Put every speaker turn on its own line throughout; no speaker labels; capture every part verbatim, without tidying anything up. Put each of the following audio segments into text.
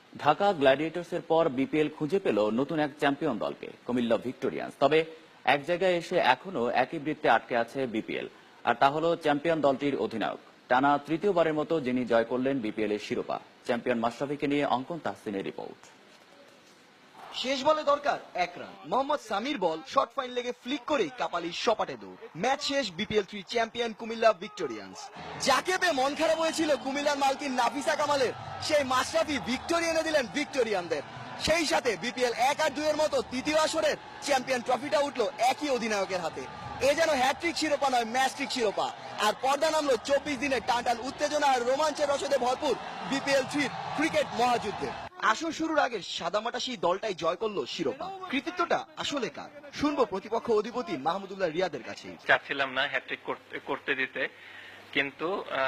ঢাকা গ্ল্যাডিয়েটর্সের পর বিপিএল খুঁজে পেল নতুন এক চ্যাম্পিয়ন দলকে, কুমিল্লা ভিক্টোরিয়ান্স। তবে এক জায়গায় এসে এখনো একই বৃত্তে আটকে আছে বিপিএল, আর তা হলো চ্যাম্পিয়ন দলটির অধিনায়ক। টানা তৃতীয়বারের মতো যিনি জয় করলেন বিপিএল এর শিরোপা, চ্যাম্পিয়ন মাশরাফিকে নিয়ে অঙ্কন তাহসিনের রিপোর্ট।
শেষ বলে দরকার এক রান। মোহাম্মদ সামির বল শর্ট ফাইন লেগে ফ্লিক করে কাপালির সপাটে দৌড়। ম্যাচ শেষ, BPL three champion Comilla Victorians. যাকে পেয়ে মন খারাপ হয়েছিল কুমিল্লার মালকিন নাফিসা কামালের, সেই মাশরাফি ভিক্টোরি এনে দিলেন ভিক্টোরিয়ানদের। সেই সাথে বিপিএল এক আর দুইয়ের মতো তৃতীয় আসরের চ্যাম্পিয়ন ট্রফিটা উঠলো একই অধিনায়কের হাতে। এ যেন হ্যাট্রিক শিরোপা নয়, ম্যাচট্রিক শিরোপা। আর পর্দা নামলো চব্বিশ দিনের টান টান উত্তেজনা আর রোমাঞ্চের রসদে ভরপুর বিপিএল থ্রির ক্রিকেট মহাযুদ্ধে। আসর শুরুর আগে সাদামাটা সেই দলটাই জয় করলো শিরোপা। কৃতিত্বটা আসলে কার, শুনবো প্রতিপক্ষ অধিপতি মাহমুদুল্লাহ রিয়াদের কাছে।
চাচ্ছিলাম না হ্যাট্রিক করতে দিতে, কিন্তু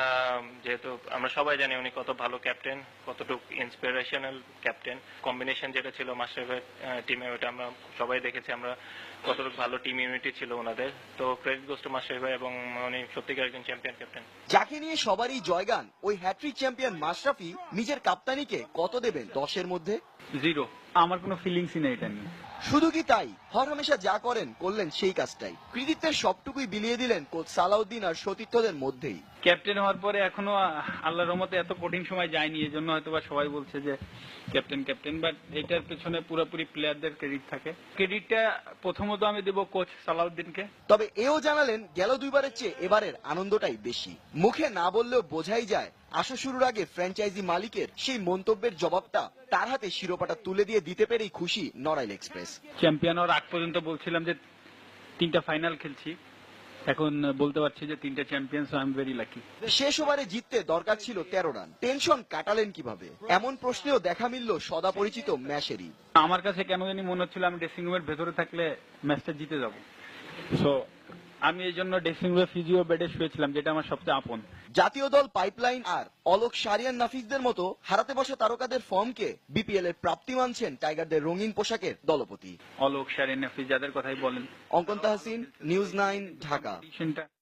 যেহেতু আমরা সবাই জানি উনি কত ভালো ক্যাপ্টেন, কতটুকু ইন্সপিরেশনাল ক্যাপ্টেন। কম্বিনেশন যেটা ছিল মাশরাফির টিমে, ওটা আমরা সবাই দেখেছি আমরা কতটুকু ভালো টিম ইউনিটি ছিল ওনাদের। তো ক্রেডিট গোস টু মাশরাফি ভাই, এবং উনি সত্যিকার একজন চ্যাম্পিয়ন ক্যাপ্টেন।
যাকে নিয়ে সবারই জয়গান, ওই হ্যাট্রিক চ্যাম্পিয়ন মাশরাফি নিজের কাপ্তানিকে কত দেবেন দশের মধ্যে?
জিরো। আমার কোনো ফিলিংসই নেই এটা নিয়ে।
শুধু কি তাই, হরহামেশা যা করেন করলেন সেই কাজটাই। কৃতিত্বের সবটুকুই বিলিয়ে দিলেন কোচ সালাউদ্দিন আর সতীর্থদের মধ্যেই।
ক্যাপ্টেন হওয়ার পরে এখনো আল্লাহর রহমতে এত কঠিন সময় যায়নি, এজন্য হয়তো বা সবাই বলছে যে ক্যাপ্টেন ক্যাপ্টেন বাট এটার পেছনে পুরোপুরি প্লেয়ারদের ক্রেডিট থাকে। ক্রেডিটটা প্রথমত আমি দেব কোচ সালাউদ্দিনকে।
তবে এও জানালেন গেল দুইবারের চেয়ে এবারের আনন্দটাই বেশি। মুখে না বললেও বোঝাই যায় আসর শুরুর আগে ফ্র্যাঞ্চাইজি মালিকের সেই মন্তব্যের জবাবটা তার হাতে শিরোপাটা তুলে দিয়ে দিতে পেরেই খুশি নড়াইল এক্সপ্রেস।
চ্যাম্পিয়ন হওয়ার আগ পর্যন্ত বলছিলাম যে তিনটা ফাইনাল খেলছি, এখন বলতে পারছি যে তিনটা champion, so I am very lucky.
শেষ ওভারে জিততে দরকার ছিল তেরো রান, টেনশন কাটালেন কিভাবে? এমন প্রশ্নেও দেখা মিলল সদা পরিচিত ম্যাশেরই।
আমার কাছে কেন জানি মনে হচ্ছিল আমি ড্রেসিং রুমের ভেতরে থাকলে ম্যাচটা জিতে যাব, সো আমি এই জন্য ড্রেসিং রুমে ফিজিও বেডে শুয়েছিলাম, যেটা আমার সবচেয়ে আপন।
জাতীয় দল পাইপলাইন আর অলোক সারিয়ান নাফিসদের মতো হারাতে বসা তারকাদের ফর্মকে বিপিএল এর প্রাপ্তি মানছেন টাইগারদের রঙিন পোশাকের দলপতি।
অলোক সারিয়ান নাফিস যাদের কথাই বলেন।
অঙ্কন তাহসিন, নিউজ নাইন, ঢাকা।